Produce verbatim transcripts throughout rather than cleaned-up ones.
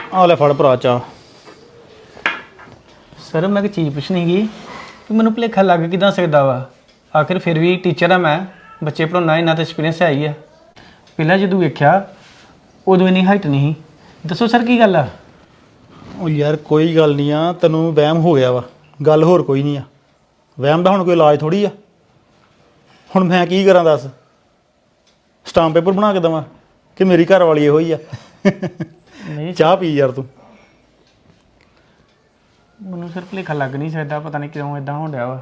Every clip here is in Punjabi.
ਆ ਲੈ ਫੜ ਭਰਾ ਚਾਹ। ਸਰ ਮੈਂ ਇੱਕ ਚੀਜ਼ ਪੁੱਛਣੀ ਸੀ ਕਿ ਮੈਨੂੰ ਭੁਲੇਖਾ ਲੱਗ ਕਿੱਦਾਂ ਸਕਦਾ ਵਾ। ਆਖਿਰ ਫਿਰ ਵੀ ਟੀਚਰ ਆ ਮੈਂ, ਬੱਚੇ ਪੜ੍ਹਾਉਣਾ, ਇੰਨਾ ਤਾਂ ਐਕਸਪੀਰੀਅੰਸ ਹੈ ਹੀ ਆ। ਪਹਿਲਾਂ ਜਦੋਂ ਵੇਖਿਆ ਉਦੋਂ ਇੰਨੀ ਹਾਈਟ ਨਹੀਂ ਸੀ। ਦੱਸੋ ਸਰ ਕੀ ਗੱਲ ਆ? ਉਹ ਯਾਰ ਕੋਈ ਗੱਲ ਨਹੀਂ ਆ, ਤੈਨੂੰ ਵਹਿਮ ਹੋ ਗਿਆ ਵਾ, ਗੱਲ ਹੋਰ ਕੋਈ ਨਹੀਂ ਆ। ਵਹਿਮ ਦਾ ਹੁਣ ਕੋਈ ਇਲਾਜ ਥੋੜੀ ਆ। ਹੁਣ ਮੈਂ ਕੀ ਕਰਾਂ ਦੱਸ? ਸਟਾਂਪ ਪੇਪਰ ਬਣਾ ਕੇ ਦੇਵਾਂ ਕਿ ਮੇਰੀ ਘਰ ਵਾਲੀ ਇਹੋ ਹੀ ਆ? ਨਹੀਂ ਚਾਹ ਪੀ ਯਾਰ ਤੂੰ। ਮੈਨੂੰ ਸਰ ਭੁਲੇਖਾ ਲੱਗ ਨਹੀਂ ਸਕਦਾ, ਪਤਾ ਨਹੀਂ ਕਿਉਂ ਇਦਾਂ ਹੋਣ ਡਿਆ ਵਾ।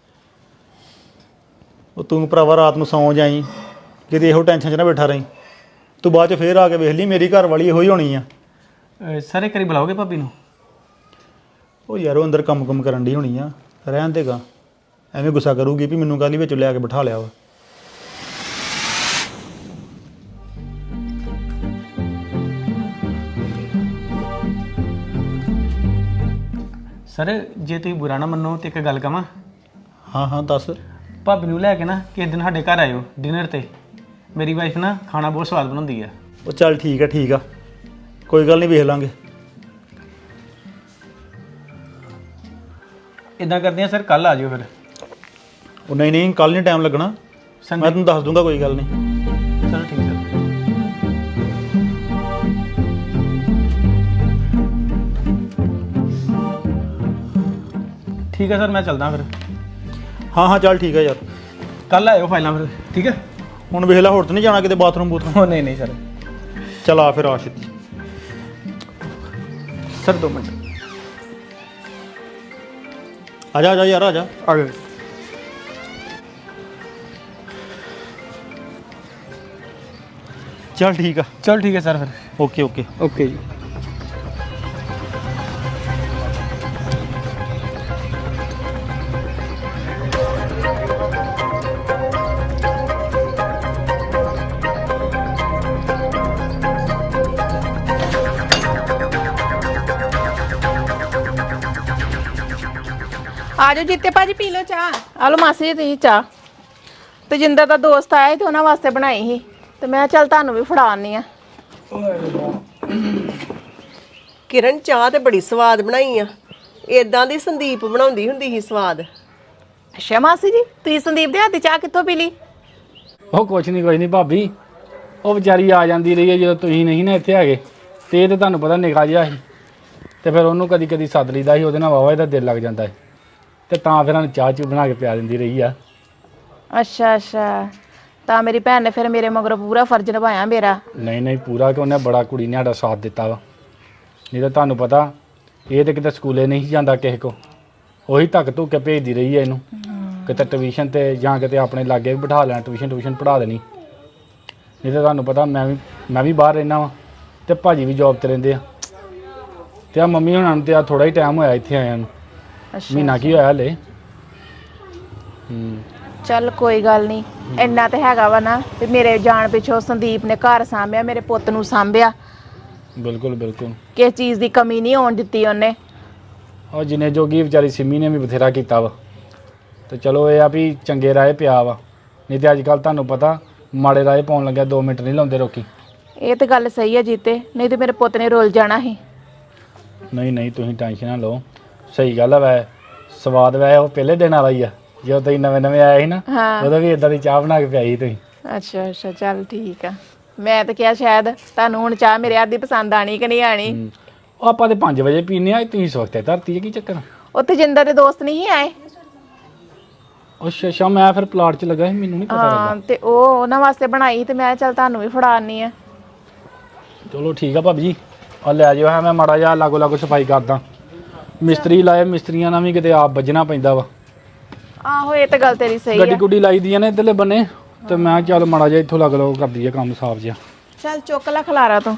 ਉਹ ਤੂੰ ਭਰਾਵਾ ਰਾਤ ਨੂੰ ਸੌਂ ਜਾਈ, ਕਿਤੇ ਇਹੋ ਟੈਨਸ਼ਨ 'ਚ ਨਾ ਬੈਠਾ ਰਹੀਂ। ਤੂੰ ਬਾਅਦ 'ਚ ਫੇਰ ਆ ਕੇ ਵੇਖ ਲਈ ਮੇਰੀ ਘਰ ਵਾਲੀ ਇਹੋ ਹੀ ਹੋਣੀ ਆ। ਅਹ ਸਰ ਇੱਕ ਵਾਰੀ ਬੁਲਾਓਗੇ ਭਾਬੀ ਨੂੰ? ਉਹ ਯਾਰ ਉਹ ਅੰਦਰ ਕੰਮ ਕੰਮ ਕਰਨ ਦੀ ਹੋਣੀ ਆ, ਰਹਿਣ ਦੇਗਾ। ਐਵੇਂ ਗੁੱਸਾ ਕਰੂਗੀ ਵੀ ਮੈਨੂੰ ਕਾਹਲੀ ਵਿੱਚ ਲਿਆ ਕੇ ਬਿਠਾ ਲਿਆ ਵਾ। ਸਰ ਜੇ ਤੁਸੀਂ ਬੁਰਾ ਨਾ ਮੰਨੋ ਤੇ ਇੱਕ ਗੱਲ ਕਵਾਂ। ਹਾਂ ਹਾਂ ਦੱਸ। ਭਾਬੀ ਨੂੰ ਲੈ ਕੇ ਨਾ ਕਿਸੇ ਦਿਨ ਸਾਡੇ ਘਰ ਆਇਓ ਡਿਨਰ ਤੇ। ਮੇਰੀ ਵਾਈਫ ਨਾ ਖਾਣਾ ਬਹੁਤ ਸਵਾਦ ਬਣਾਉਂਦੀ ਆ। ਉਹ ਚੱਲ ਠੀਕ ਆ ਠੀਕ ਆ, ਕੋਈ ਗੱਲ ਨਹੀਂ, ਵੇਖ ਲਾਂਗੇ। ਇਦਾਂ ਕਰਦੇ ਆ ਸਰ, ਕੱਲ ਆ ਜਿਓ ਫਿਰ। ਉਹ ਨਹੀਂ ਨਹੀਂ, ਕੱਲ ਨਹੀਂ ਟਾਈਮ ਲੱਗਣਾ, ਮੈਂ ਸੰਡੇ। ਤੈਨੂੰ ਦੱਸ ਦੂੰਗਾ, ਕੋਈ ਗੱਲ ਨਹੀਂ। ਚਲੋ ਠੀਕ ਸਰ। ਠੀਕ ਹੈ ਸਰ, ਮੈਂ ਚੱਲਦਾ ਫਿਰ। ਹਾਂ ਹਾਂ ਚੱਲ ਠੀਕ ਆ ਯਾਰ। ਕੱਲ ਆਇਓ ਫਾਈਲਾਂ ਫਿਰ, ਠੀਕ ਹੈ? ਹੁਣ ਵੇਖ ਲੈ, ਹੋਰ ਤਾਂ ਨਹੀਂ ਜਾਣਾ ਕਿਤੇ ਬਾਥਰੂਮ ਬੂਥਰੂਮ? ਉਹ ਨਹੀਂ ਨਹੀਂ ਸਰ। ਚੱਲ ਆ ਫਿਰ, ਆ ਛੇਤੀ। ਸਰ ਦੋ ਮਿੰਟ ਆ ਜਾ ਆ ਜਾ ਯਾਰ, ਆ ਜਾ। ਆ ਗਏ। ਚੱਲ ਠੀਕ ਆ। ਚਲ ਠੀਕ ਹੈ ਸਰ ਫਿਰ। Okay okay. ਓਕੇ ਜੀ। ਆ ਜਾਓ ਜੀਤੇ ਭਾਜੀ, ਪੀ ਲਓ ਚਾਹ। ਆ ਲਓ ਮਾਸੀ ਜੀ ਤੁਸੀਂ ਚਾਹ। ਤੇਜਿੰਦਰ ਦਾ ਦੋਸਤ ਆਇਆ ਸੀ ਤੇ ਉਹਨਾਂ ਵਾਸਤੇ ਬਣਾਈ ਸੀ, ਤੇ ਮੈਂ ਚੱਲ ਤੁਹਾਨੂੰ ਵੀ ਫੜਾ ਆਨੀ ਆ। ਕਿਰਨ ਚਾਹ ਤੇ ਬੜੀ ਸਵਾਦ ਬਣਾਈ ਆ। ਇਦਾਂ ਦੀ ਸੰਦੀਪ ਬਣਾਉਂਦੀ ਹੁੰਦੀ ਸੀ ਸਵਾਦ। ਅੱਛਾ ਮਾਸੀ ਜੀ, ਤੁਸੀਂ ਸੰਦੀਪ ਦੇ ਹੱਥ ਦੀ ਚਾਹ ਕਿੱਥੋਂ ਪੀ ਲਈ? ਉਹ ਕੁਛ ਨਹੀਂ ਕੁਛ ਨਹੀਂ ਭਾਬੀ, ਉਹ ਵਿਚਾਰੀ ਆ ਜਾਂਦੀ ਰਹੀ ਹੈ ਜਦੋਂ ਤੁਸੀਂ ਨਹੀਂ ਨਾ ਇੱਥੇ ਹੈਗੇ। ਤੇ ਇਹ ਤਾਂ ਤੁਹਾਨੂੰ ਪਤਾ ਨਿੱਕਾ ਜਿਹਾ ਸੀ, ਤੇ ਫਿਰ ਉਹਨੂੰ ਕਦੀ ਕਦੀ ਸੱਦ ਲਈਦਾ ਸੀ, ਉਹਦੇ ਨਾਲ ਵਾਵਾ ਇਹਦਾ ਦਿਲ ਲੱਗ ਜਾਂਦਾ ਹੈ, ਤੇ ਤਾਂ ਫਿਰ ਉਹਨੂੰ ਚਾਹ ਚੂ ਬਣਾ ਕੇ ਪਿਆ ਦਿੰਦੀ ਰਹੀ ਆ। ਅੱਛਾ ਅੱਛਾ, ਤਾਂ ਮੇਰੀ ਭੈਣ ਨੇ ਫਿਰ ਮੇਰੇ ਮਗਰੋਂ ਪੂਰਾ ਫਰਜ਼ ਨਿਭਾਇਆ ਮੇਰਾ। ਨਹੀਂ ਨਹੀਂ ਪੂਰਾ, ਕਿ ਉਹਨੇ ਬੜਾ ਕੁੜੀ ਨੇ ਸਾਡਾ ਸਾਥ ਦਿੱਤਾ ਵਾ। ਨਹੀਂ ਤਾਂ ਤੁਹਾਨੂੰ ਪਤਾ ਇਹ ਤਾਂ ਕਿਤੇ ਸਕੂਲੇ ਨਹੀਂ ਜਾਂਦਾ ਕਿਸੇ ਕੋ, ਉਹੀ ਧੱਕ ਧੁੱਕ ਕੇ ਭੇਜਦੀ ਰਹੀ ਹੈ ਇਹਨੂੰ, ਕਿਤੇ ਟਿਊਸ਼ਨ ਤੇ ਜਾਂ ਕਿਤੇ ਆਪਣੇ ਲਾਗੇ ਵੀ ਬਿਠਾ ਲੈਣਾ, ਟਿਊਸ਼ਨ ਟਿਊਸ਼ਨ ਪੜ੍ਹਾ ਦੇਣੀ। ਨਹੀਂ ਤਾਂ ਤੁਹਾਨੂੰ ਪਤਾ ਮੈਂ ਵੀ ਮੈਂ ਵੀ ਬਾਹਰ ਰਹਿੰਦਾ ਵਾਂ, ਤੇ ਭਾਜੀ ਵੀ ਜੋਬ 'ਤੇ ਰਹਿੰਦੇ ਆ, ਤੇ ਆ ਮੰਮੀ ਹੁਣਾਂ ਨੂੰ ਤੇ ਆ ਥੋੜ੍ਹਾ ਹੀ ਟਾਈਮ ਹੋਇਆ ਇੱਥੇ ਆਇਆਂ ਨੂੰ, ਮਹੀਨਾ ਕੀ ਹੋਇਆ ਹਲੇ। ਹੂੰ ਚੱਲ ਕੋਈ ਗੱਲ ਨਹੀਂ, ਇੰਨਾ ਤੇ ਹੈਗਾ ਵਾ ਨਾ ਤੇ ਮੇਰੇ ਜਾਣ ਪਿੱਛੋਂ ਸੰਦੀਪ ਨੇ ਘਰ ਸਾਂਭਿਆ, ਮੇਰੇ ਪੁੱਤ ਨੂੰ ਸਾਂਭਿਆ। ਬਿਲਕੁਲ ਬਿਲਕੁਲ, ਕਿਸੇ ਚੀਜ਼ ਦੀ ਕਮੀ ਨਹੀਂ ਆਉਣ ਦਿੱਤੀ ਉਹਨੇ। ਉਹ ਜਿੰਨੇ ਜੋਗੀ ਵਿਚਾਰੀ ਸਿੰਮੀ ਨੇ ਵੀ ਬਥੇਰਾ ਕੀਤਾ ਵਾ, ਤੇ ਚਲੋ ਇਹ ਆ ਵੀ ਚੰਗੇ ਰਾਹ ਪਿਆ ਵਾ। ਨਹੀਂ ਤੇ ਅੱਜ ਕੱਲ੍ਹ ਤੁਹਾਨੂੰ ਪਤਾ ਮਾੜੇ ਰਾਹ ਪਾਉਣ ਲੱਗਿਆ ਦੋ ਮਿੰਟ ਨਹੀਂ ਲਾਉਂਦੇ ਲੋਕੀ। ਇਹ ਤੇ ਗੱਲ ਸਹੀ ਹੈ ਜੀਤੇ, ਨਹੀਂ ਤੇ ਮੇਰੇ ਪੁੱਤ ਨੇ ਰੁੱਲ ਜਾਣਾ ਸੀ। ਨਹੀਂ ਨਹੀਂ ਤੁਸੀਂ ਟੈਨਸ਼ਨ ਨਾ ਲਓ, ਸਹੀ ਗੱਲ ਆ। ਵੈ ਸਵਾਦ ਵੈ ਉਹ ਪਹਿਲੇ ਦਿਨ ਵਾਲਾ ਹੀ ਆ, ਜਦੋਂ ਤੁਸੀਂ ਨਵੇਂ ਨਵੇਂ ਆਏ ਸੀ ਨਾ, ਉਦੋਂ ਵੀ ਇਦਾਂ ਦੀ ਚਾਹ ਬਣਾ ਕੇ ਪਿਆਈ ਤੁਸੀਂ। ਅੱਛਾ ਅੱਛਾ, ਚੱਲ ਠੀਕ ਆ। ਮੈਂ ਤਾਂ ਕਿਹਾ ਸ਼ਾਇਦ ਤੁਹਾਨੂੰ ਹੁਣ ਚਾਹ ਮੇਰੇ ਹੱਥ ਦੀ ਪਸੰਦ ਆਣੀ ਕਿ ਨਹੀਂ ਆਣੀ। ਉਹ ਆਪਾਂ ਤੇ ਪੰਜ ਵਜੇ ਪੀਨੇ ਆ, ਤੁਸੀਂ ਸਵਖਤੇ ਧਰਤੀ ਹੈ, ਕੀ ਚੱਕਰ? ਉੱਥੇ ਜਿੰਦਰ ਦੇ ਦੋਸਤ ਨਹੀਂ ਆਏ? ਅੱਛਾ ਅੱਛਾ, ਮੈਂ ਫਿਰ ਪਲਾਟ 'ਚ ਲੱਗਾ ਸੀ, ਮੈਨੂੰ ਨਹੀਂ ਪਤਾ ਹਾਂ, ਲੱਗਾ। ਤੇ ਉਹ ਉਹਨਾਂ ਵਾਸਤੇ ਬਣਾਈ ਤੇ ਮੈਂ ਚੱਲ ਤੁਹਾਨੂੰ ਵੀ ਫੜਾ ਆਨੀ ਆ। ਚਲੋ ਠੀਕ ਆ ਭਾਬੀ ਜੀ, ਆ ਲੈ ਜਾਓ। ਹੈ ਮੈਂ ਮਾੜਾ ਜਿਹਾ ਲਾਗੋ ਲਾਗੋ ਸਫਾਈ ਕਰਦਾ, ਮਿਸਤਰੀ ਲਾਏ, ਮਿਸਤਰੀਆਂ ਨਾਲ ਵੀ ਕਿਤੇ ਆਪ ਵੱਜਣਾ ਪੈਂਦਾ ਵਾ। ਆਹੋ ਇਹ ਤਾਂ ਗੱਲ ਤੇਰੀ ਸਹੀ ਗੱਡੀ ਆ। ਗੁੱਡੀ ਲਾਈ ਦੀਆਂ ਨੇ ਇੱਧਰਲੇ ਬੰਨੇ, ਤੇ ਮੈਂ ਚੱਲ ਮਾੜਾ ਜਿਹਾ ਇੱਥੋਂ ਲੱਗ ਲਓ ਕਰਦੀ ਆ ਕੰਮ ਸਾਫ ਜਿਹਾ। ਚੱਲ ਚੁੱਕ ਲੈ ਖਲਾਰਾ ਤੋਂ।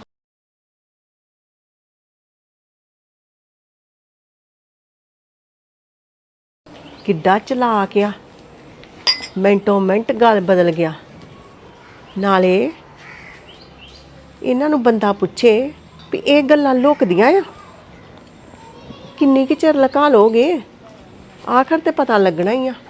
ਕਿੱਡਾ ਚਲਾਕ ਆ, ਮਿੰਟੋ ਮਿੰਟ ਗੱਲ ਬਦਲ ਗਿਆ। ਨਾਲੇ ਇਹਨਾਂ ਨੂੰ ਬੰਦਾ ਪੁੱਛੇ ਵੀ ਇਹ ਗੱਲਾਂ ਲੁਕਦੀਆਂ ਆ, ਕਿੰਨੀ ਕੁ ਚਿਰ ਲੁਕਾ ਲੋਗੇ, ਆਖਰ ਤੇ ਪਤਾ ਲੱਗਣਾ ਹੀ ਆ।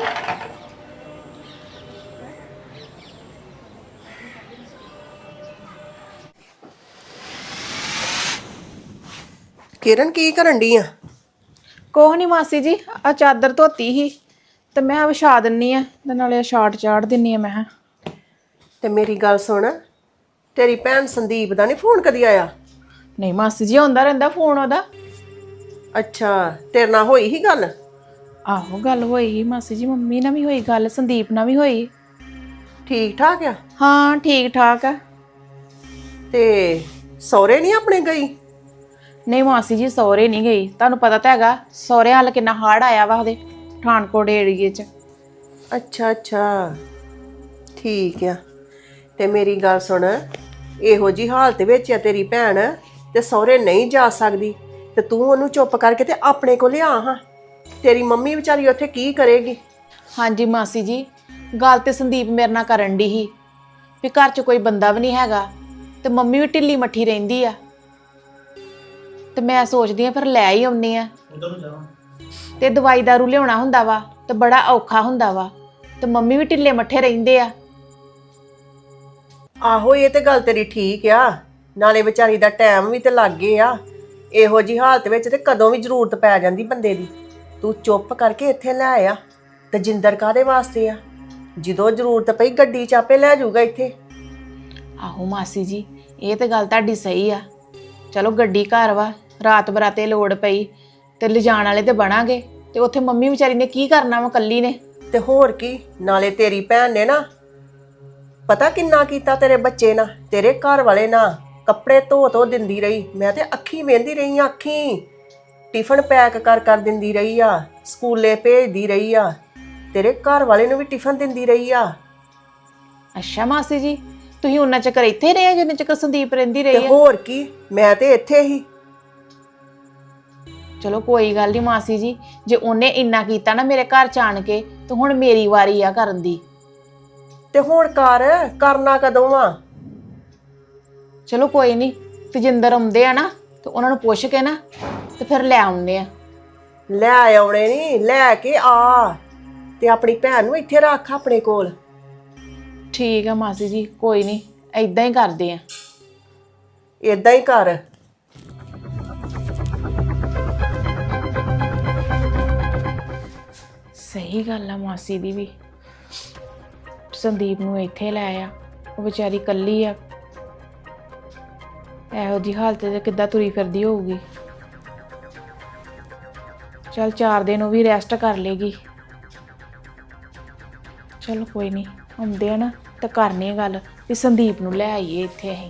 ਕਿਰਨ ਕੀ ਕਰਨ ਡਈ ਆ? ਕੋਹ ਨਹੀਂ ਮਾਸੀ ਜੀ, ਆ ਚਾਦਰ ਧੋਤੀ ਸੀ ਤੇ ਮੈਂ ਵਿਛਾ ਦਿੰਨੀ ਆ ਤੇ ਨਾਲੇ ਸ਼ਾਰਟ ਚਾੜ ਦਿੰਨੀ ਆ। ਮੈਂ ਕਿਹਾ ਤੇ ਮੇਰੀ ਗੱਲ ਸੁਣ, ਤੇਰੀ ਭੈਣ ਸੰਦੀਪ ਦਾ ਨਹੀਂ ਫੋਨ ਕਦੀ ਆਇਆ? ਨਹੀਂ ਮਾਸੀ ਜੀ, ਆਉਂਦਾ ਰਹਿੰਦਾ ਫੋਨ ਉਹਦਾ। ਅੱਛਾ, ਤੇਰੇ ਨਾਲ ਹੋਈ ਹੀ ਗੱਲ? ਆਹੋ ਗੱਲ ਹੋਈ ਸੀ ਮਾਸੀ ਜੀ, ਮੰਮੀ ਨਾਲ ਵੀ ਹੋਈ ਗੱਲ, ਸੰਦੀਪ ਨਾਲ ਵੀ ਹੋਈ। ਠੀਕ ਠਾਕ ਆ? ਹਾਂ ਠੀਕ ਠਾਕ ਆ। ਤੇ ਸਹੁਰੇ ਨਹੀਂ ਆਪਣੇ ਗਈ? ਨਹੀਂ ਮਾਸੀ ਜੀ, ਸਹੁਰੇ ਨਹੀਂ ਗਈ। ਤੁਹਾਨੂੰ ਪਤਾ ਤਾਂ ਹੈਗਾ ਸਹੁਰੇ ਹਾਲ ਕਿੰਨਾ ਹਾਰਡ ਆਇਆ ਵਾ ਉਹਦੇ ਪਠਾਨਕੋਟ ਏਰੀਏ 'ਚ। ਅੱਛਾ ਅੱਛਾ, ਠੀਕ ਆ। ਤੇ ਮੇਰੀ ਗੱਲ ਸੁਣ, ਇਹੋ ਜੀ ਹਾਲਤ ਵਿੱਚ ਆ ਤੇਰੀ ਭੈਣ ਤੇ ਸਹੁਰੇ ਨਹੀਂ ਜਾ ਸਕਦੀ, ਤੇ ਤੂੰ ਉਹਨੂੰ ਚੁੱਪ ਕਰਕੇ ਤੇ ਆਪਣੇ ਕੋਲ ਲਿਆ ਹਾਂ। ਤੇਰੀ ਮੰਮੀ ਵਿਚਾਰੀ ਉੱਥੇ ਕੀ ਕਰੇਗੀ? ਹਾਂਜੀ ਮਾਸੀ ਜੀ, ਗੱਲ ਤੇ ਸੰਦੀਪ ਮੇਰੇ ਨਾਲ ਕਰਨ ਦੀ ਸੀ ਵੀ ਘਰ 'ਚ ਕੋਈ ਬੰਦਾ ਵੀ ਨਹੀਂ ਹੈਗਾ ਤੇ ਮੰਮੀ ਵੀ ਢਿੱਲੀ ਮੱਠੀ ਰਹਿੰਦੀ ਆ, ਤੇ ਮੈਂ ਸੋਚਦੀ ਆ ਫਿਰ ਲੈ ਹੀ ਆਉਣੀ ਆ। ਤੇ ਦਵਾਈ ਦਾਰੂ ਲਿਆਉਣਾ ਹੁੰਦਾ ਵਾ ਤੇ ਬੜਾ ਔਖਾ ਹੁੰਦਾ ਵਾ, ਤੇ ਮੰਮੀ ਵੀ ਢਿੱਲੇ ਮੱਠੇ ਰਹਿੰਦੇ ਆ। ਆਹੋ, ਇਹ ਤੇ ਗੱਲ ਤੇਰੀ ਠੀਕ ਆ, ਨਾਲੇ ਵਿਚਾਰੀ ਦਾ ਟਾਈਮ ਵੀ ਤੇ ਲੱਗ ਗਿਆ ਆ। ਇਹੋ ਜੀ ਹਾਲਤ ਵਿੱਚ ਤੇ ਕਦੋਂ ਵੀ ਜ਼ਰੂਰਤ ਪੈ ਜਾਂਦੀ ਬੰਦੇ ਦੀ। ਤੂੰ ਚੁੱਪ ਕਰਕੇ ਇੱਥੇ ਲੈ ਆ। ਤੇ ਜਿੰਦਰ ਕਾਹਦੇ ਵਾਸਤੇ ਆ? ਜਦੋਂ ਜ਼ਰੂਰਤ ਪਈ ਗੱਡੀ ਚ ਆਪੇ ਲੈ ਜਾਊਗਾ ਇੱਥੇ। ਆਹੋ ਮਾਸੀ ਜੀ, ਇਹ ਤੇ ਗੱਲ ਤੁਹਾਡੀ ਸਹੀ ਆ। ਚਲੋ ਗੱਡੀ ਘਰ ਵਾ, ਰਾਤ ਬਰਾਤੇ ਲੋੜ ਪਈ ਤੇ ਲਿਜਾਣ ਵਾਲੇ ਤੇ ਬਣਾਂਗੇ, ਤੇ ਉੱਥੇ ਮੰਮੀ ਵਿਚਾਰੀ ਨੇ ਕੀ ਕਰਨਾ ਵਾ ਕੱਲੀ ਨੇ। ਤੇ ਹੋਰ ਕੀ, ਨਾਲੇ ਤੇਰੀ ਭੈਣ ਨੇ ਨਾ ਪਤਾ ਕਿੰਨਾ ਕੀਤਾ ਤੇਰੇ ਬੱਚੇ ਨਾਲ, ਤੇਰੇ ਘਰ ਵਾਲੇ ਨਾਲ। ਕੱਪੜੇ ਧੋ ਧੋ ਦਿੰਦੀ ਰਹੀ, ਮੈਂ ਤੇ ਅੱਖੀ ਵੇਂਦੀ ਰਹੀ ਆ, ਅੱਖੀ ਟਿਫਨ ਪੈਕ ਕਰ ਕਰ ਦਿੰਦੀ ਰਹੀ ਆ, ਸਕੂਲੇ ਭੇਜਦੀ ਰਹੀ ਆ, ਤੇਰੇ ਘਰ ਵਾਲੇ ਨੂੰ ਵੀ ਟਿਫਨ ਦਿੰਦੀ ਰਹੀ ਆ। ਅੱਛਾ ਮਾਸੀ ਜੀ, ਤੁਸੀਂ ਉਹਨਾਂ ਚੱਕਰ ਇੱਥੇ ਰਹੇ ਜਿੰਨੇ ਚੱਕਰ ਸੰਦੀਪ ਰਹਿੰਦੀ ਰਹੀ ਤੇ ਆ? ਹੋਰ ਕੀ, ਮੈਂ ਤੇ ਇੱਥੇ ਹੀ। ਚਲੋ ਕੋਈ ਗੱਲ ਨਹੀਂ ਮਾਸੀ ਜੀ, ਜੇ ਉਹਨੇ ਇੰਨਾ ਕੀਤਾ ਨਾ ਮੇਰੇ ਘਰ ਚ ਆਣ ਕੇ, ਤੇ ਹੁਣ ਮੇਰੀ ਵਾਰੀ ਆ ਕਰਨ ਦੀ। ਤੇ ਹੁਣ ਕਰ, ਕਰਨਾ ਕਦੋਂ ਆ? ਚਲੋ ਕੋਈ ਨਹੀਂ, ਤਜਿੰਦਰ ਆਉਂਦੇ ਆ ਨਾ ਤੇ ਉਹਨਾਂ ਨੂੰ ਪੁੱਛ ਕੇ ਨਾ ਤੇ ਫਿਰ ਲੈ ਆਉਂਦੇ ਆ। ਲੈ ਆਉਣੇ ਨਹੀਂ, ਲੈ ਕੇ ਆ ਤੇ ਆਪਣੀ ਭੈਣ ਨੂੰ ਇੱਥੇ ਰੱਖ ਆਪਣੇ ਕੋਲ। ਠੀਕ ਆ ਮਾਸੀ ਜੀ, ਕੋਈ ਨਹੀਂ, ਏਦਾਂ ਹੀ ਕਰਦੇ ਆ। ਏਦਾਂ ਹੀ ਕਰ। ਸਹੀ ਗੱਲ ਆ ਮਾਸੀ ਦੀ ਵੀ, ਸੰਦੀਪ ਨੂੰ ਇੱਥੇ ਲੈ ਆ, ਉਹ ਵਿਚਾਰੀ ਕੱਲੀ ਆ, ਇਹੋ ਜੀ ਹਾਲਤ ਤੇ ਕਿੱਦਾਂ ਤੁਰੀ ਫਿਰਦੀ ਹੋਊਗੀ। ਚਲ ਚਾਰ ਦਿਨ ਉਹ ਵੀ ਰੈਸਟ ਕਰ ਲੇਗੀ। ਚਲੋ ਕੋਈ ਨਹੀਂ, ਆਉਂਦੇ ਆ ਨਾ ਤਾਂ ਕਰਨੀ ਆ ਗੱਲ ਵੀ ਸੰਦੀਪ ਨੂੰ ਲੈ ਆਈਏ ਇੱਥੇ ਅਸੀਂ।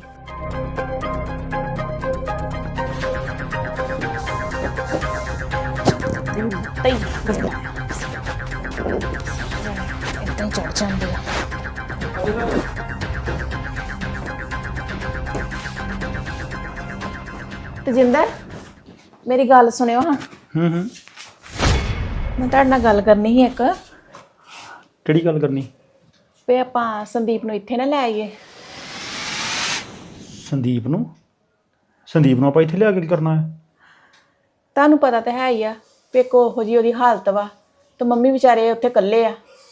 ਤਈ ਗੰਦਾ ਇੱਦਾਂ ਚੜ ਜਾਂਦੇ ਆ। ਤਜਿੰਦਰ, ਮੇਰੀ ਗੱਲ ਸੁਣਿਓ ਹਾਂ। ਹੂੰ ਹੂੰ ਮੈਂ ਤੁਹਾਡੇ ਨਾਲ ਗੱਲ ਕਰਨੀ ਸੀ ਇੱਕ। ਕਿਹੜੀ ਗੱਲ ਕਰਨੀ? ਵੀ ਆਪਾਂ ਸੰਦੀਪ ਨੂੰ ਇੱਥੇ ਨਾ ਲੈ ਆਈਏ। ਸੰਦੀਪ ਨੂੰ? ਸੰਦੀਪ ਨੂੰ ਆਪਾਂ ਇੱਥੇ ਲਿਆ ਕੇ ਕੀ ਕਰਨਾ ਹੈ? ਤੁਹਾਨੂੰ ਪਤਾ ਤਾਂ ਹੈ ਹੀ ਆ ਵੀ ਇੱਕ ਉਹੋ ਜਿਹੀ ਉਹਦੀ ਹਾਲਤ ਵਾ, ਤੇ ਮੰਮੀ ਵਿਚਾਰੇ ਉੱਥੇ ਇਕੱਲੇ ਆ।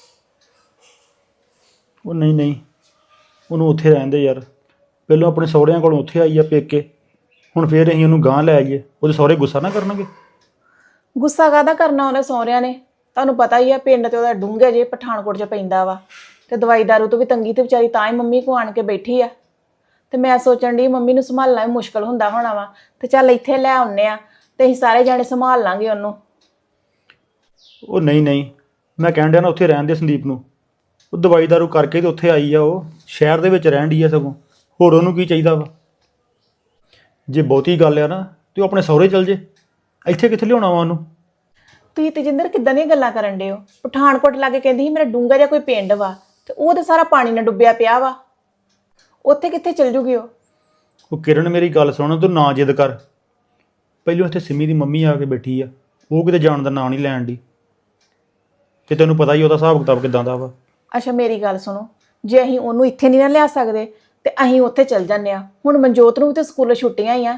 ਉਹ ਨਹੀਂ ਨਹੀਂ, ਉਹਨੂੰ ਉੱਥੇ ਰਹਿਣ ਦੇ ਯਾਰ। ਪਹਿਲਾਂ ਆਪਣੇ ਸਹੁਰਿਆਂ ਕੋਲੋਂ ਉੱਥੇ ਆਈ ਆ ਪੇਕੇ, ਹੁਣ ਫੇਰ ਅਸੀਂ ਉਹਨੂੰ ਗਾਂਹ ਲੈ ਆਈਏ। ਉਹਦੇ ਸਹੁਰੇ ਗੁੱਸਾ ਨਾ ਕਰਨਗੇ? ਗੁੱਸਾ ਕਾਹਦਾ ਕਰਨਾ ਉਹਨੇ ਸਹੁਰਿਆਂ ਨੇ? ਤੁਹਾਨੂੰ ਪਤਾ ਹੀ ਆ ਪਿੰਡ ਤੇ ਉਹਦਾ ਡੂੰਘੇ ਜੇ ਪਠਾਨਕੋਟ 'ਚ ਪੈਂਦਾ ਵਾ, ਤੇ ਦਵਾਈ ਦਾਰੂ ਤੋਂ ਵੀ ਤੰਗੀ ਤੇ ਵਿਚਾਰੀ ਤਾਂ ਹੀ ਮੰਮੀ ਕੋ ਆਣ ਕੇ ਬੈਠੀ ਆ। ਤੇ ਮੈਂ ਸੋਚਣ ਦੀ ਮੰਮੀ ਨੂੰ ਸੰਭਾਲਣਾ ਵੀ ਮੁਸ਼ਕਲ ਹੁੰਦਾ ਹੋਣਾ ਵਾ, ਤੇ ਚੱਲ ਇੱਥੇ ਲੈ ਆਉਂਦੇ ਆ ਤੇ ਅਸੀਂ ਸਾਰੇ ਜਾਣੇ ਸੰਭਾਲ ਲਾਂਗੇ ਉਹਨੂੰ। ਉਹ ਨਹੀਂ ਨਹੀਂ, ਮੈਂ ਕਹਿਣ ਡਿਆ ਨਾ ਉੱਥੇ ਰਹਿਣ ਦੇ ਸੰਦੀਪ ਨੂੰ। ਉਹ ਦਵਾਈ ਦਾਰੂ ਕਰਕੇ ਤੇ ਉੱਥੇ ਆਈ ਆ, ਉਹ ਸ਼ਹਿਰ ਦੇ ਵਿੱਚ ਰਹਿਣ ਡਈ ਆ ਸਗੋਂ। ਹੋਰ ਉਹਨੂੰ ਕੀ ਚਾਹੀਦਾ ਵਾ? ਜੇ ਬਹੁਤੀ ਗੱਲ ਆ ਨਾ ਤੇ ਉਹ ਆਪਣੇ ਸਹੁਰੇ ਚਲ ਜੇ, ਇੱਥੇ ਕਿੱਥੇ ਲਿਆਉਣਾ ਵਾ ਉਹਨੂੰ? ਤੁਸੀਂ ਤੇਜਿੰਦਰ ਕਿੱਦਾਂ ਦੀਆਂ ਗੱਲਾਂ ਕਰਨ ਡੇ ਹੋ? ਪਠਾਨਕੋਟ ਲਾਗੇ ਕਹਿੰਦੀ ਸੀ ਮੇਰਾ ਡੂੰਘਾ ਜਿਹਾ ਕੋਈ ਪਿੰਡ ਵਾ, ਤੇ ਉਹ ਤੇ ਸਾਰਾ ਪਾਣੀ ਨਾਲ ਡੁੱਬਿਆ ਪਿਆ ਵਾ, ਉੱਥੇ ਕਿੱਥੇ ਚਲ ਜੂਗੀ ਉਹ? ਉਹ ਕਿਰਨ ਮੇਰੀ ਗੱਲ ਸੁਣ, ਤੂੰ ਨਾ ਜਿੱਦ ਕਰ। ਪਹਿਲਾਂ ਇੱਥੇ ਸਿੰਮੀ ਦੀ ਮੰਮੀ ਆ ਕੇ ਬੈਠੀ ਆ, ਉਹ ਕਿਤੇ ਜਾਣ ਦਾ ਨਾਂ ਨਹੀਂ ਲੈਣ ਦੀ, ਤੇ ਤੈਨੂੰ ਪਤਾ ਹੀ ਉਹਦਾ ਹਿਸਾਬ ਕਿਤਾਬ ਕਿੱਦਾਂ ਦਾ ਵਾ। ਅੱਛਾ ਮੇਰੀ ਗੱਲ ਸੁਣੋ, ਜੇ ਅਸੀਂ ਉਹਨੂੰ ਇੱਥੇ ਨਹੀਂ ਨਾ ਲਿਆ ਸਕਦੇ ਤੇ ਅਸੀਂ ਉੱਥੇ ਚਲ ਜਾਂਦੇ ਆ। ਹੁਣ ਮਨਜੋਤ ਨੂੰ ਵੀ ਤੇ ਸਕੂਲੋਂ ਛੁੱਟੀਆਂ ਹੀ ਆ।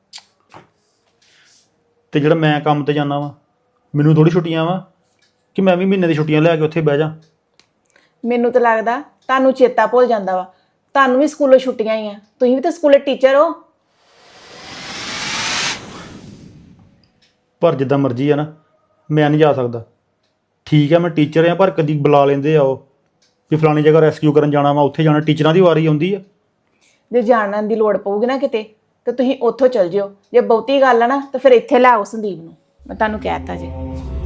ਤੇ ਜਿਹੜਾ ਮੈਂ ਕੰਮ ਤੇ ਜਾਂਦਾ ਵਾ, ਮੈਨੂੰ ਥੋੜੀ ਛੁੱਟੀਆਂ ਵਾ ਕਿ ਮੈਂ ਵੀ ਮਹੀਨੇ ਦੀ ਛੁੱਟੀਆਂ ਲੈ ਕੇ ਉੱਥੇ ਬਹਿ ਜਾ। ਮੈਨੂੰ ਤਾਂ ਲੱਗਦਾ ਤੁਹਾਨੂੰ ਚੇਤਾ ਭੁੱਲ ਜਾਂਦਾ ਵਾ, ਤੁਹਾਨੂੰ ਵੀ ਸਕੂਲੋਂ ਛੁੱਟੀਆਂ ਹੀ ਆ, ਤੁਸੀਂ ਵੀ ਤਾਂ ਸਕੂਲੇ ਟੀਚਰ ਹੋ। ਪਰ ਜਿੱਦਾਂ ਮਰਜ਼ੀ ਆ ਨਾ, ਮੈਂ ਨਹੀਂ ਜਾ ਸਕਦਾ। ਠੀਕ ਹੈ ਮੈਂ ਟੀਚਰ ਆ, ਪਰ ਕਦੀ ਬੁਲਾ ਲੈਂਦੇ ਆ ਉਹ ਵੀ ਫਲਾਣੀ ਜਗ੍ਹਾ ਰੈਸਕਿਊ ਕਰਨ ਜਾਣਾ ਵਾ, ਉੱਥੇ ਜਾਣਾ। ਟੀਚਰਾਂ ਦੀ ਵਾਰੀ ਆਉਂਦੀ ਆ। ਜੇ ਜਾਣਨ ਦੀ ਲੋੜ ਪਊਗੀ ਨਾ ਕਿਤੇ ਤਾਂ ਤੁਸੀਂ ਉੱਥੋਂ ਚਲ ਜਿਓ। ਜੇ ਬਹੁਤੀ ਗੱਲ ਆ ਨਾ ਤਾਂ ਫਿਰ ਇੱਥੇ ਲੈ ਆਓ ਸੰਦੀਪ ਨੂੰ, ਮੈਂ ਤੁਹਾਨੂੰ ਕਹਿ ਦਿੱਤਾ ਜੀ।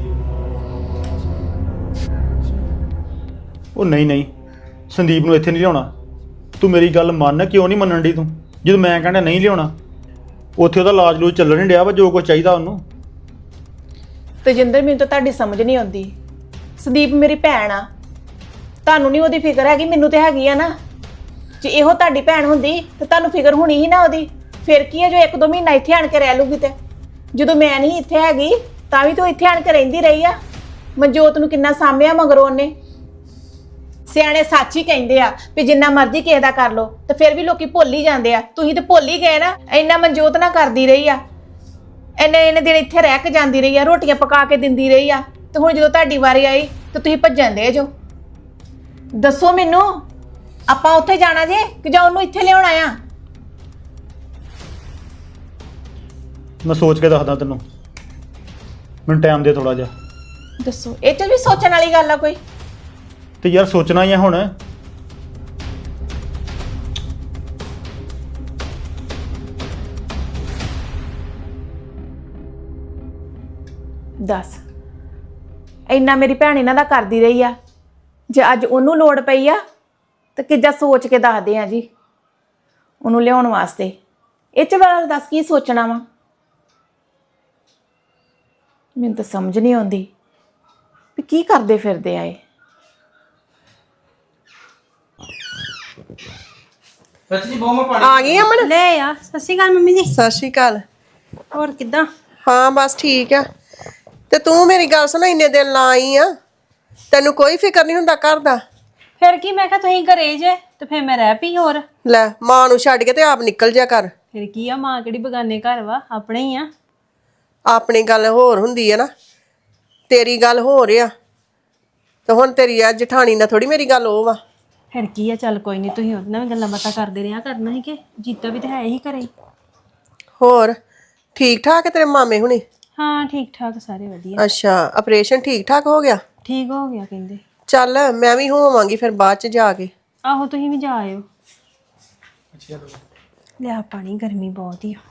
ਉਹ ਨਹੀਂ ਨਹੀਂ, ਸੰਦੀਪ ਨੂੰ ਇੱਥੇ ਨਹੀਂ ਲਿਆਉਣਾ। ਤੂੰ ਮੇਰੀ ਗੱਲ ਮੰਨ, ਕਿਉਂ ਨਹੀਂ ਮੰਨਣ ਦੀ ਤੂੰ? ਜਦੋਂ ਮੈਂ ਕਹਿੰਦਾ ਨਹੀਂ ਲਿਆਉਣਾ, ਉੱਥੇ ਉਹਦਾ ਇਲਾਜ ਲੂਜ ਚੱਲਣ ਨਹੀਂ ਡਿਆ ਵਾ, ਜੋ ਕੁਝ ਚਾਹੀਦਾ ਉਹਨੂੰ। ਤੇਜਿੰਦਰ, ਮੈਨੂੰ ਤਾਂ ਤੁਹਾਡੀ ਸਮਝ ਨਹੀਂ ਆਉਂਦੀ। ਸੰਦੀਪ ਮੇਰੀ ਭੈਣ ਆ, ਤੁਹਾਨੂੰ ਨਹੀਂ ਉਹਦੀ ਫਿਕਰ ਹੈਗੀ, ਮੈਨੂੰ ਤੇ ਹੈਗੀ ਆ ਨਾ। ਜੇ ਇਹੋ ਤੁਹਾਡੀ ਭੈਣ ਹੁੰਦੀ ਤਾਂ ਤੁਹਾਨੂੰ ਫਿਕਰ ਹੋਣੀ ਸੀ ਨਾ ਉਹਦੀ। ਫਿਰ ਕੀ ਹੈ ਜੋ ਇੱਕ ਦੋ ਮਹੀਨਾ ਇੱਥੇ ਆਣ ਕੇ ਰਹਿ ਲੂਗੀ। ਤੇ ਜਦੋਂ ਮੈਂ ਨਹੀਂ ਇੱਥੇ ਹੈਗੀ ਤਾਂ ਵੀ ਤੂੰ ਇੱਥੇ ਆਣ ਕੇ ਰਹਿੰਦੀ ਰਹੀ ਆ। ਮਨਜੋਤ ਨੂੰ ਕਿੰਨਾ ਸਾਂਭਿਆ ਮਗਰੋਂ ਉਹਨੇ। ਸਿਆਣੇ ਸੱਚ ਹੀ ਕਹਿੰਦੇ ਆ ਵੀ ਜਿੰਨਾ ਮਰਜ਼ੀ ਕਿਸੇ ਦਾ ਕਰ ਲੋ ਤੇ ਫਿਰ ਵੀ ਲੋਕੀ ਭੁੱਲ ਹੀ ਜਾਂਦੇ ਆ। ਤੁਸੀਂ ਤੇ ਭੁੱਲ ਹੀ ਗਏ ਨਾ। ਇੰਨਾ ਮਨਜੋਤ ਨਾ ਕਰਦੀ ਰਹੀ ਆ, ਇੰਨੇ ਇੰਨੇ ਦਿਨ ਇੱਥੇ ਰਹਿ ਕੇ ਜਾਂਦੀ ਰਹੀ ਆ, ਰੋਟੀਆਂ ਪਕਾ ਕੇ ਦਿੰਦੀ ਰਹੀ ਆ। ਤੇ ਹੁਣ ਜਦੋਂ ਤੁਹਾਡੀ ਵਾਰੀ ਆਈ ਤਾਂ ਤੁਸੀਂ ਭੱਜਣ ਦੇ ਜੋ। ਦੱਸੋ ਮੈਨੂੰ, ਆਪਾਂ ਉੱਥੇ ਜਾਣਾ ਜੇ ਕਿ ਜਾਂ ਉਹਨੂੰ ਇੱਥੇ ਲਿਆਉਣਾ ਆ? ਮੈਂ ਸੋਚ ਕੇ ਦੱਸਦਾ ਤੈਨੂੰ, ਮੈਨੂੰ ਟਾਈਮ ਦੇ ਥੋੜਾ ਜਿਹਾ। ਦੱਸੋ, ਇਹ 'ਚ ਵੀ ਸੋਚਣ ਵਾਲੀ ਗੱਲ ਆ ਕੋਈ? ਤੇ ਯਾਰ ਸੋਚਣਾ ਹੀ ਆ ਹੁਣ। ਦੱਸ, ਇੰਨਾ ਮੇਰੀ ਭੈਣ ਇਹਨਾਂ ਦਾ ਕਰਦੀ ਰਹੀ ਆ, ਜੇ ਅੱਜ ਉਹਨੂੰ ਲੋੜ ਪਈ ਆ ਤਾਂ ਕਿੱਦਾਂ ਸੋਚ ਕੇ ਦੱਸਦੇ ਆ ਜੀ ਉਹਨੂੰ ਲਿਆਉਣ ਵਾਸਤੇ। ਇਹ 'ਚ ਵਾਲਾ ਦੱਸ ਕੀ ਸੋਚਣਾ ਵਾ? ਮੈਨੂੰ ਤਾਂ ਸਮਝ ਨਹੀਂ ਆਉਂਦੀ ਵੀ ਕੀ ਕਰਦੇ ਫਿਰਦੇ ਆ ਇਹ। ਸੱਚੀ ਬਹੁਤ ਮੈਂ ਪਾਣੀ ਆ ਗਈ ਅਮਨ? ਲੈ ਆ। ਸਤਿ ਸ਼੍ਰੀ ਅਕਾਲ ਮੰਮੀ ਜੀ। ਸਤਿ ਸ਼੍ਰੀ ਅਕਾਲ। ਹੋਰ ਕਿੱਦਾਂ? ਹਾਂ ਬਸ ਠੀਕ ਆ। ਤੇ ਤੂੰ ਮੇਰੀ ਗੱਲ ਸੁਣ, ਇੰਨੇ ਦਿਨ ਲਾ ਆਈ ਆ, ਤੈਨੂੰ ਕੋਈ ਫਿਕਰ ਨਹੀਂ ਹੁੰਦਾ ਘਰ ਦਾ? ਫਿਰ ਕੀ, ਮੈਂ ਕਿਹਾ ਤੁਸੀਂ ਘਰੇ ਜੇ ਤੇ ਫਿਰ ਮੈਂ ਰਹਿ ਪਈ। ਹੋਰ ਲੈ, ਮਾਂ ਨੂੰ ਛੱਡ ਕੇ ਤੇ ਆਪ ਨਿਕਲ ਜਾ ਕਰ। ਫਿਰ ਕੀ ਆ, ਮਾਂ ਕਿਹੜੀ ਬਗਾਨੇ ਘਰ ਵਾ, ਆਪਣੇ ਹੀ ਆ। ਆਪਣੀ ਗੱਲ ਹੋਰ ਹੁੰਦੀ ਹੈ ਨਾ, ਤੇਰੀ ਗੱਲ ਹੋਰ ਆ। ਤੇ ਹੁਣ ਤੇਰੀ ਆ ਜਠਾਣੀ ਨਾਲ ਥੋੜੀ ਮੇਰੀ ਗੱਲ ਉਹ ਵਾ। ਫਿਰ ਕੀ ਆ, ਚੱਲ ਕੋਈ ਨਹੀਂ, ਤੁਸੀਂ ਉਹਦੇ ਨਾਲ ਵੀ ਗੱਲਾਂ ਬਾਤਾਂ ਕਰਦੇ ਰਿਹਾ ਕਰਨਾ ਸੀ ਕਿ ਜੀਤਾ ਵੀ ਤਾਂ ਹੈ ਹੀ ਘਰੇ। ਹੋਰ ਠੀਕ ਠਾਕ ਹੈ ਤੇਰੇ ਮਾਮੇ ਹੁਣੀ? ਹਾਂ ਠੀਕ ਠਾਕ ਸਾਰੇ ਵਧੀਆ। ਅੱਛਾ, ਆਪਰੇਸ਼ਨ ਠੀਕ ਠਾਕ ਹੋ ਗਿਆ? ਠੀਕ ਹੋ ਗਿਆ ਕਹਿੰਦੇ। ਚੱਲ ਮੈਂ ਵੀ ਹੋਵਾਂਗੀ ਫਿਰ ਬਾਅਦ ਚ ਜਾ ਕੇ। ਆਹੋ ਤੁਸੀਂ ਵੀ ਜਾ ਆਇਓ। ਲਿਆ ਪਾਣੀ, ਗਰਮੀ ਬਹੁਤ ਹੀ ਆ।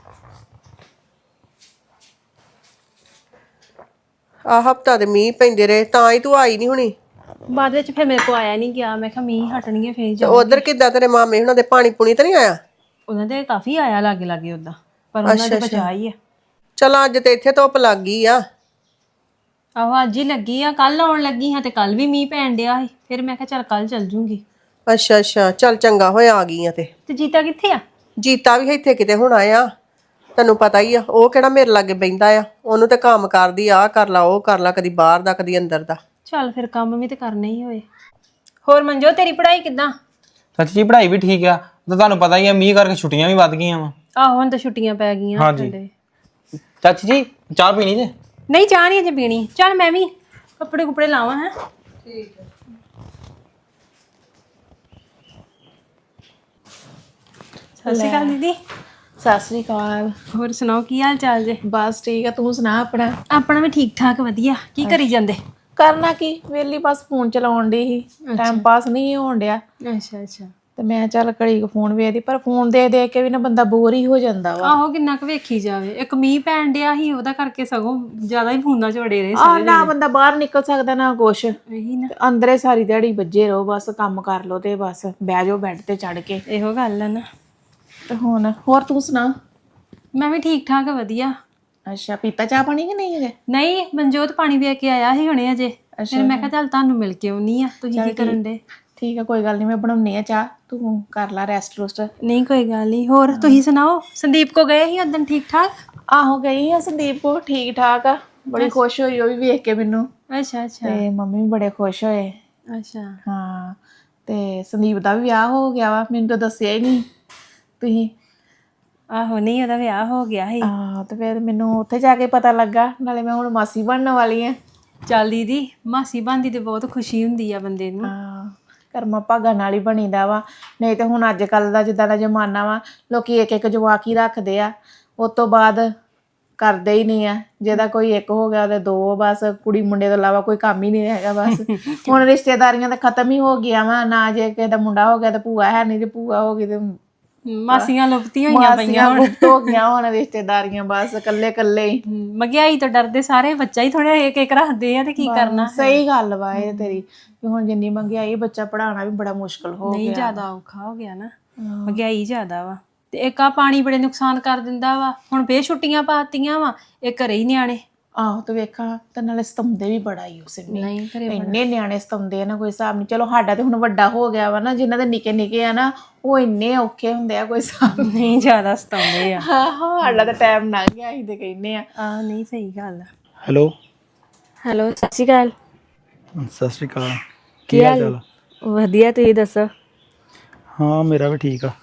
ਆ ਹਫਤਾ ਦੇ ਮੀਂਹ ਪੈਂਦੇ ਰਹੇ ਤਾਂ ਹੀ ਤੂੰ ਆਈ ਨਹੀਂ ਹੁਣੀ। ਬਾਅਦ ਵਿੱਚ ਫਿਰ ਮੇਰੇ ਕੋ ਆਇਆ ਨਹੀਂ ਗਿਆ। ਮੈਂ ਕਿਹਾ ਮੀਂਹ ਹਟਣਗੇ ਫਿਰ ਤੇ ਜਾ। ਉਧਰ ਕਿੱਦਾਂ ਤੇਰੇ ਮਾਮੇ ਹੁਣਾਂ ਦੇ ਪਾਣੀ ਪੂਣੀ ਤਾਂ ਨਹੀਂ ਆਇਆ? ਉਹਨਾਂ ਦੇ ਕਾਫੀ ਆਇਆ ਲਾਗੇ ਲਾਗੇ ਉਦਾਂ, ਪਰ ਉਹਨਾਂ ਦੇ ਬਚਾ ਹੀ ਆ। ਚਲ ਅੱਜ ਤੇ ਇੱਥੇ ਧੁੱਪ ਲੱਗ ਗਈ ਆ। ਆਹੋ ਅੱਜ ਹੀ ਲੱਗੀ ਆ, ਕੱਲ ਆਉਣ ਲੱਗੀ ਹਾਂ ਤੇ ਕੱਲ ਵੀ ਮੀਂਹ ਪੈਣ ਡਿਆ ਸੀ। ਫਿਰ ਮੈਂ ਕਿਹਾ ਚੱਲ ਕੱਲ ਚੱਲ ਜੂੰਗੀ। ਅੱਛਾ ਅੱਛਾ, ਚੱਲ ਚੰਗਾ ਹੋਇਆ ਆ ਗਈ ਆ। ਤੇ ਤੇ ਜੀਤਾ ਕਿੱਥੇ ਆ? ਜੀਤਾ ਵੀ ਇੱਥੇ ਕਿਤੇ ਹੁਣ ਆਇਆ, ਤੈਨੂੰ ਪਤਾ ਹੀ ਆ, ਉਹ ਕਿਹੜਾ ਮੇਰੇ ਲਾਗੇ ਬਹਿੰਦਾ ਆ। ਉਹਨੂੰ ਤੇ ਕੰਮ ਕਰਦੀ ਆ, ਕਰ ਲਾ ਉਹ ਕਰ ਲਾ, ਕਦੀ ਬਾਹਰ ਦਾ ਕਦੀ ਅੰਦਰ ਦਾ। ਚੱਲ ਫਿਰ ਕੰਮ ਵੀ ਤੇ ਕਰਨੇ ਹੀ ਹੋਏ। ਹੋਰ ਮਨਜੋ, ਤੇਰੀ ਪੜ੍ਹਾਈ ਕਿੱਦਾਂ? ਸੱਚ ਜੀ ਪੜ੍ਹਾਈ ਵੀ ਠੀਕ ਆ। ਤਾਂ ਤੁਹਾਨੂੰ ਪਤਾ ਹੀ ਆ ਮੀਂਹ ਕਰਕੇ ਛੁੱਟੀਆਂ ਵੀ ਵੱਧ ਗਈਆਂ ਵਾ। ਆਹੋ ਹੁਣ ਤਾਂ ਛੁੱਟੀਆਂ ਪੈ ਗਈਆਂ। ਹਾਂਜੀ। ਚਾਚੀ ਜੀ ਚਾਹ ਪੀਣੀ ਜੇ? ਨਹੀਂ ਚਾਹ ਨਹੀਂ ਅਜੇ ਪੀਣੀ। ਚੱਲ ਮੈਂ ਵੀ ਕੱਪੜੇ ਕੁਪੜੇ ਲਾਵਾਂ। ਹੈ ਠੀਕ ਹੈ। ਸਤਿ ਸ਼੍ਰੀ ਅਕਾਲ ਦੀਦੀ। ਸਤਿ ਸ੍ਰੀ ਅਕਾਲ। ਹੋਰ ਸੁਣਾਓ ਕੀ ਹਾਲ ਚਾਲ ਜੇ? ਬਸ ਠੀਕ ਆ, ਤੂੰ ਸੁਣਾ ਆਪਣਾ? ਆਪਣਾ ਵੀ ਠੀਕ ਠਾਕ ਵਧੀਆ। ਕੀ ਕਰੀ ਜਾਂਦੇ? ਕਰਨਾ ਕੀ, ਵਿਹਲੀ ਬਸ ਫੋਨ ਚਲਾਉਣ ਦੀ ਸੀ। ਟਾਈਮ ਪਾਸ ਨਹੀਂ ਹੋਣ ਡਿਆ ਅੱਛਾ ਅੱਛਾ। ਤੇ ਮੈਂ ਚੱਲ ਘੜੀ ਕੁ ਫੋਨ ਵੇਖਦੀ, ਪਰ ਫੋਨ ਦੇਖ ਦੇਖ ਕੇ ਵੀ ਨਾ ਬੰਦਾ ਬੋਰ ਹੀ ਹੋ ਜਾਂਦਾ ਵਾ। ਆਹੋ ਕਿੰਨਾ ਕੁ ਵੇਖੀ ਜਾਵੇ। ਇੱਕ ਮੀਂਹ ਪੈਣ ਡਿਆ ਸੀ ਉਹਦਾ ਕਰਕੇ ਸਗੋਂ ਜ਼ਿਆਦਾ ਹੀ ਫੋਨਾਂ 'ਚ ਵੜੇ ਰਹੇ। ਆਹ ਨਾ ਬੰਦਾ ਬਾਹਰ ਨਿਕਲ ਸਕਦਾ ਨਾ ਕੁਛ, ਇਹੀ ਨਾ, ਅੰਦਰੇ ਸਾਰੀ ਦਿਹਾੜੀ ਵੱਜੇ ਰਹੋ, ਬਸ ਕੰਮ ਕਰ ਲੋ ਤੇ ਬਸ ਬਹਿ ਜਾਓ ਬੈੱਡ ਤੇ ਚੜ ਕੇ। ਇਹੋ ਗੱਲ ਆ ਨਾ। ਤੇ ਹੁਣ ਹੋਰ ਤੂੰ ਸੁਣਾ? ਮੈਂ ਵੀ ਠੀਕ ਠਾਕ ਵਧੀਆ। ਅੱਛਾ, ਪੀਤਾ ਚਾਹ ਪਾਣੀ ਕਿ ਨਹੀਂ ਹਜੇ? ਨਹੀਂ, ਮਨਜੋਤ ਪਾਣੀ ਵੇ ਕੇ ਆਇਆ ਸੀ ਹੁਣੇ ਅਜੇ। ਫਿਰ ਮੈਂ ਕਿਹਾ ਚੱਲ ਤੁਹਾਨੂੰ ਮਿਲ ਕੇ ਆਉਣੀ ਆ। ਤੁਸੀਂ ਕੀ ਕਰਨ ਦੇ? ਠੀਕ ਆ, ਕੋਈ ਗੱਲ ਨਹੀਂ, ਮੈਂ ਬਣਾਉਣੀ ਆ ਚਾਹ, ਤੂੰ ਕਰ ਲੈ ਰੈਸਟ ਰੁਸਟ। ਨਹੀਂ ਕੋਈ ਗੱਲ ਨਹੀਂ। ਹੋਰ ਤੁਸੀਂ ਸੁਣਾਓ, ਸੰਦੀਪ ਕੋ ਗਏ ਸੀ ਉਦੋਂ? ਠੀਕ ਠਾਕ? ਆਹੋ ਗਈ ਆ ਸੰਦੀਪ ਕੋ, ਠੀਕ ਠਾਕ ਆ, ਬੜੀ ਖੁਸ਼ ਹੋਈ ਉਹ ਵੀ ਵੇਖ ਕੇ ਮੈਨੂੰ। ਅੱਛਾ ਅੱਛਾ। ਤੇ ਮੰਮੀ ਵੀ ਬੜੇ ਖੁਸ਼ ਹੋਏ। ਅੱਛਾ ਹਾਂ, ਤੇ ਸੰਦੀਪ ਦਾ ਵੀ ਵਿਆਹ ਹੋ ਗਿਆ ਵਾ, ਮੈਨੂੰ ਤਾਂ ਦੱਸਿਆ ਹੀ ਨਹੀਂ ਤੁਸੀਂ। ਆਹੋ ਨਹੀਂ, ਉਹਦਾ ਵਿਆਹ ਹੋ ਗਿਆ ਸੀ। ਆਹ ਤੇ ਫਿਰ ਮੈਨੂੰ ਉੱਥੇ ਜਾ ਕੇ ਪਤਾ ਲੱਗਾ, ਨਾਲੇ ਮੈਂ ਹੁਣ ਮਾਸੀ ਬਣਨ ਵਾਲੀ ਆ। ਚੱਲ ਦੀਦੀ, ਮਾਸੀ ਬਣਦੀ ਤੇ ਬਹੁਤ ਖੁਸ਼ੀ ਹੁੰਦੀ ਆ ਬੰਦੇ ਨੂੰ। ਹਾਂ, ਕਰਮਾਂ ਭਾਗਾਂ ਨਾਲ ਹੀ ਬਣੀਦਾ ਵਾ। ਨਹੀਂ ਤੇ ਹੁਣ ਅੱਜ ਕੱਲ ਦਾ ਜਿੱਦਾਂ ਦਾ ਜ਼ਮਾਨਾ ਵਾ, ਲੋਕੀ ਇੱਕ ਇੱਕ ਜਵਾਕ ਹੀ ਰੱਖਦੇ ਆ, ਉਸ ਤੋਂ ਬਾਅਦ ਕਰਦੇ ਹੀ ਨਹੀਂ ਆ। ਜਿਹਦਾ ਕੋਈ ਇੱਕ ਹੋ ਗਿਆ ਉਹਦੇ ਦੋ, ਬਸ ਕੁੜੀ ਮੁੰਡੇ ਤੋਂ ਇਲਾਵਾ ਕੋਈ ਕੰਮ ਹੀ ਨਹੀਂ ਹੈਗਾ ਬਸ। ਹੁਣ ਰਿਸ਼ਤੇਦਾਰੀਆਂ ਤਾਂ ਖਤਮ ਹੀ ਹੋ ਗਈਆਂ ਵਾ ਨਾ, ਜੇ ਕਿਸੇ ਦਾ ਮੁੰਡਾ ਹੋ ਗਿਆ ਤਾਂ ਭੂਆ ਹੈ ਨਹੀਂ, ਜੇ ਭੂਆ ਹੋ ਗਈ ਤੇ ਮਾਸੀਆਂ ਲੁਪਤੀਆਂ ਹੋਈਆਂ ਪਈਆਂ ਮਾਸੀਆਂ ਗੁਪਤ ਹੋ ਗਈਆਂ ਹੁਣ ਰਿਸ਼ਤੇਦਾਰੀਆਂ, ਬਸ ਇਕੱਲੇ ਇਕੱਲੇ ਹੀ। ਮਹਿੰਗਾਈ ਤੋਂ ਡਰਦੇ ਸਾਰੇ ਬੱਚਾ ਹੀ ਥੋੜਾ ਇੱਕ ਇੱਕ ਰੱਖਦੇ ਆ ਤੇ ਕੀ ਕਰਨਾ। ਸਹੀ ਗੱਲ ਵਾ ਇਹ ਤੇਰੀ, ਵੀ ਹੁਣ ਜਿੰਨੀ ਮਹਿੰਗਾਈ, ਬੱਚਾ ਪੜਾਉਣਾ ਵੀ ਬੜਾ ਮੁਸ਼ਕਲ ਹੋ ਨਹੀਂ ਗਿਆ। ਜ਼ਿਆਦਾ ਔਖਾ ਹੋ ਗਿਆ ਨਾ, ਮਹਿੰਗਾਈ ਜ਼ਿਆਦਾ ਵਾ। ਤੇ ਇੱਕ ਆ ਪਾਣੀ ਬੜੇ ਨੁਕਸਾਨ ਕਰ ਦਿੰਦਾ ਵਾ। ਹੁਣ ਫੇਰ ਛੁੱਟੀਆਂ ਪਾਤੀਆਂ ਵਾ, ਇਹ ਘਰੇ ਹੀ ਨਿਆਣੇ। ਆਹੋ ਤੇ ਵੇਖਾਂ ਤੇ ਨਾਲੇ ਸਤੰਦੇ ਵੀ ਬੜਾ ਹੀ ਉਸ ਨੇ। ਨਹੀਂ ਘਰੇ ਇੰਨੇ ਨਿਆਣੇ ਸਤੰਦੇ ਆ ਨਾ, ਕੋਈ ਹਿਸਾਬ ਨਹੀਂ। ਚਲੋ ਸਾਡਾ ਤੇ ਹੁਣ ਵੱਡਾ ਹੋ ਗਿਆ ਵਾ ਨਾ, ਜਿਨ੍ਹਾਂ ਦੇ ਨਿੱਕੇ ਨਿੱਕੇ ਆ ਨਾ, ਉਹ ਇੰਨੇ ਔਖੇ ਹੁੰਦੇ ਆ, ਕੋਈ ਹਿਸਾਬ ਨਹੀਂ। ਨਹੀਂ ਜ਼ਿਆਦਾ ਸਤਾਉਂਦੇ ਆ। ਆਹੋ ਸਾਡਾ ਤਾਂ ਟਾਈਮ ਲੰਘ ਗਿਆ, ਅਸੀਂ ਤੇ ਕਹਿੰਦੇ ਆ। ਆਹ ਨਹੀਂ ਸਹੀ ਗੱਲ ਆ। ਹੈਲੋ, ਹੈਲੋ, ਸਤਿ ਸ਼੍ਰੀ ਅਕਾਲ। ਸਤਿ ਸ਼੍ਰੀ ਅਕਾਲ। ਕੀ ਹਾਲ? ਵਧੀਆ, ਤੁਸੀਂ ਦੱਸੋ? ਹਾਂ ਮੇਰਾ ਵੀ ਠੀਕ ਆ।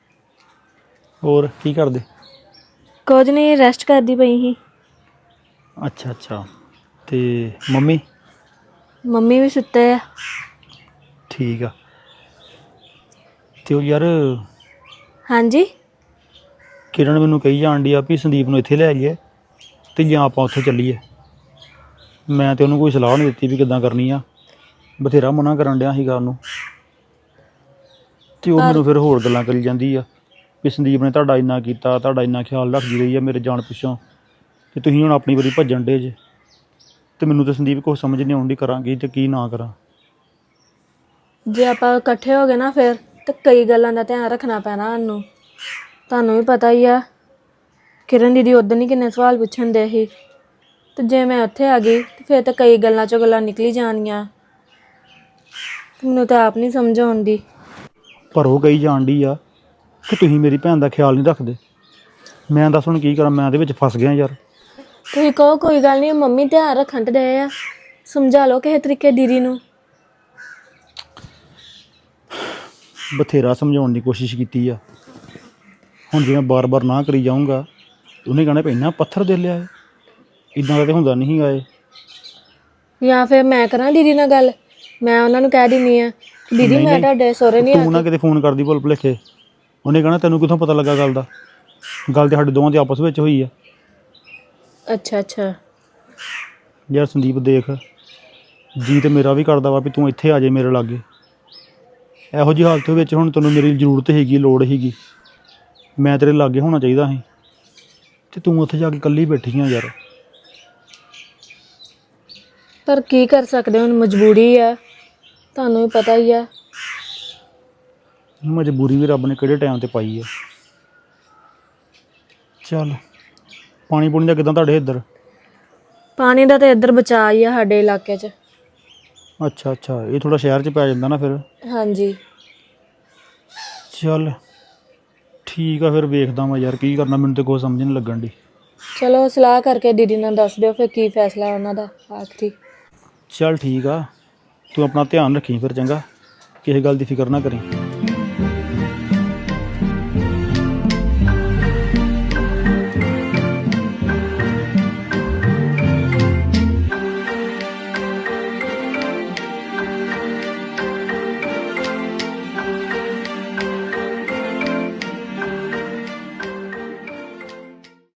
ਹੋਰ ਕੀ ਕਰਦੇ? ਕੁਝ ਨਹੀਂ, ਰੈਸਟ ਕਰਦੀ ਪਈ ਸੀ। ਅੱਛਾ ਅੱਛਾ। ਤੇ ਮੰਮੀ? ਮੰਮੀ ਵੀ ਸੁੱਤੇ ਆ। ਠੀਕ ਆ। ਤੇ ਉਹ ਯਾਰ ਹਾਂਜੀ। ਕਿਰਨ ਮੈਨੂੰ ਕਹੀ ਜਾਣ ਡਈ ਆ ਵੀ ਸੰਦੀਪ ਨੂੰ ਇੱਥੇ ਲੈ ਆਈਏ ਤੇ ਜਾਂ ਆਪਾਂ ਉੱਥੇ ਚੱਲੀਏ। ਮੈਂ ਤੇ ਉਹਨੂੰ ਕੋਈ ਸਲਾਹ ਨਹੀਂ ਦਿੱਤੀ ਵੀ ਕਿੱਦਾਂ ਕਰਨੀ ਆ, ਬਥੇਰਾ ਮਨਾ ਕਰਨ ਡਿਆ ਸੀਗਾ ਉਹਨੂੰ। ਤੇ ਉਹ ਮੈਨੂੰ ਫਿਰ ਹੋਰ ਗੱਲਾਂ ਕਰੀ ਜਾਂਦੀ ਆ ਵੀ ਸੰਦੀਪ ਨੇ ਤੁਹਾਡਾ ਇੰਨਾ ਕੀਤਾ, ਤੁਹਾਡਾ ਇੰਨਾ ਖਿਆਲ ਰੱਖਦੀ ਰਹੀ ਆ ਮੇਰੇ ਜਾਣ ਪਿੱਛੋਂ, ਤੇ ਤੁਸੀਂ ਹੁਣ ਆਪਣੀ ਵਾਰੀ ਭੱਜਣ ਡੇ ਜੇ। ਤੇ ਮੈਨੂੰ ਤਾਂ ਸੰਦੀਪ ਕੁਛ ਸਮਝ ਨਹੀਂ ਆਉਂਦੀ, ਕਰਾਂਗੀ ਤੇ ਕੀ ਨਾ ਕਰਾਂ। ਜੇ ਆਪਾਂ ਇਕੱਠੇ ਹੋ ਗਏ ਨਾ ਫਿਰ ਤੇ ਕਈ ਗੱਲਾਂ ਦਾ ਧਿਆਨ ਰੱਖਣਾ ਪੈਣਾ ਸਾਨੂੰ। ਤੁਹਾਨੂੰ ਵੀ ਪਤਾ ਹੀ ਆ, ਕਿਰਨ ਦੀਦੀ ਉਦੋਂ ਹੀ ਕਿੰਨੇ ਸਵਾਲ ਪੁੱਛਣ ਦੇ ਸੀ, ਤੇ ਜੇ ਮੈਂ ਉੱਥੇ ਆ ਗਈ ਤੇ ਫਿਰ ਤਾਂ ਕਈ ਗੱਲਾਂ 'ਚੋਂ ਗੱਲਾਂ ਨਿਕਲੀ ਜਾਣੀਆਂ। ਮੈਨੂੰ ਤਾਂ ਆਪ ਨਹੀਂ ਸਮਝ ਆਉਂਦੀ। ਪਰ ਉਹ ਕਹੀ ਜਾਣ ਡਈ ਆ ਕਿ ਤੁਸੀਂ ਮੇਰੀ ਭੈਣ ਦਾ ਖਿਆਲ ਨਹੀਂ ਰੱਖਦੇ। ਮੈਂ ਦੱਸ ਹੁਣ ਕੀ ਕਰਾਂ, ਮੈਂ ਇਹਦੇ ਵਿੱਚ ਫਸ ਗਿਆ ਯਾਰ। ਤੁਸੀਂ ਕਹੋ ਕੋਈ ਗੱਲ ਨਹੀਂ, ਮੰਮੀ ਧਿਆਨ ਰੱਖਣ ਤੇ ਡਏ ਆ, ਸਮਝਾ ਲਓ ਕਿਸੇ ਤਰੀਕੇ ਦੀਦੀ ਨੂੰ। ਬਥੇਰਾ ਸਮਝਾਉਣ ਦੀ ਕੋਸ਼ਿਸ਼ ਕੀਤੀ ਆ। ਹੁਣ ਜੇ ਮੈਂ ਬਾਰ-ਬਾਰ ਨਾ ਕਰੀ ਜਾਊਂਗਾ ਉਹਨੇ ਕਹਿਣਾ ਪੈਣਾ ਪੱਥਰ ਦੇ ਲਿਆ ਏ। ਇੱਦਾਂ ਦਾ ਤਾਂ ਹੁੰਦਾ ਨਹੀਂ ਗਾ ਇਹ। ਜਾਂ ਫਿਰ ਮੈਂ ਕਰਾਂ ਦੀਦੀ ਨਾਲ ਗੱਲ, ਮੈਂ ਉਹਨਾਂ ਨੂੰ ਕਹਿ ਦਿੰਦੀ ਆ ਦੀਦੀ ਮੈਂ ਤੁਹਾਡੇ ਸਹੁਰੇ ਨਹੀਂ ਤੂੰ ਨਾ ਕਿਤੇ ਫੋਨ ਕਰਦੀ ਭੁੱਲ ਭੁਲੇਖੇ, ਉਹਨੇ ਕਹਿਣਾ ਤੈਨੂੰ ਕਿੱਥੋਂ ਪਤਾ ਲੱਗਾ ਗੱਲ ਦਾ। ਗੱਲ ਤੇ ਸਾਡੇ ਦੋਵਾਂ ਦੇ ਆਪਸ ਵਿੱਚ ਹੋਈ ਆ। ਅੱਛਾ ਅੱਛਾ। ਯਾਰ ਸੰਦੀਪ ਦੇਖ, ਜੀ ਤੇ ਮੇਰਾ ਵੀ ਕਰਦਾ ਵਾ ਵੀ ਤੂੰ ਇੱਥੇ ਆ ਜਾਏ ਮੇਰੇ ਲਾਗੇ। ਇਹੋ ਜਿਹੀ ਹਾਲਤ ਵਿੱਚ ਹੁਣ ਤੈਨੂੰ ਮੇਰੀ ਜ਼ਰੂਰਤ ਹੈਗੀ, ਲੋੜ ਹੈਗੀ, ਮੈਂ ਤੇਰੇ ਲਾਗੇ ਹੋਣਾ ਚਾਹੀਦਾ ਸੀ, ਤੇ ਤੂੰ ਉੱਥੇ ਜਾ ਕੇ ਇਕੱਲੀ ਬੈਠੀ ਆ ਯਾਰ। ਪਰ ਕੀ ਕਰ ਸਕਦੇ, ਹੁਣ ਮਜਬੂਰੀ ਆ, ਤੁਹਾਨੂੰ ਵੀ ਪਤਾ ਹੀ ਆ। ਮਜਬੂਰੀ ਵੀ ਰੱਬ ਨੇ ਕਿਹੜੇ ਟਾਈਮ ਤੇ ਪਾਈ ਆ। ਚੱਲ ਪਾਣੀ ਪੂਣੀ ਦਾ ਕਿੱਦਾਂ ਤੁਹਾਡੇ ਇੱਧਰ? ਪਾਣੀ ਦਾ ਤਾਂ ਇੱਧਰ ਬਚਾ ਹੀ ਆ ਸਾਡੇ ਇਲਾਕੇ 'ਚ। ਅੱਛਾ ਅੱਛਾ, ਇਹ ਥੋੜਾ ਸ਼ਹਿਰ 'ਚ ਪੈ ਜਾਂਦਾ ਨਾ ਫਿਰ। ਹਾਂਜੀ। ਚੱਲ ਠੀਕ ਆ, ਫਿਰ ਵੇਖਦਾ ਮੈਂ ਯਾਰ ਕੀ ਕਰਨਾ, ਮੈਨੂੰ ਤੇ ਕੋਈ ਸਮਝ ਨਹੀਂ ਲੱਗਣ ਦੀ। ਚਲੋ ਸਲਾਹ ਕਰਕੇ ਦੀਦੀ ਨਾਲ ਦੱਸ ਦਿਓ ਫਿਰ ਕੀ ਫੈਸਲਾ ਉਹਨਾਂ ਦਾ ਆਖਰੀ। ਚੱਲ ਠੀਕ ਆ, ਤੂੰ ਆਪਣਾ ਧਿਆਨ ਰੱਖੀ ਫਿਰ, ਚੰਗਾ? ਕਿਸੇ ਗੱਲ ਦੀ ਫਿਕਰ ਨਾ ਕਰੀ।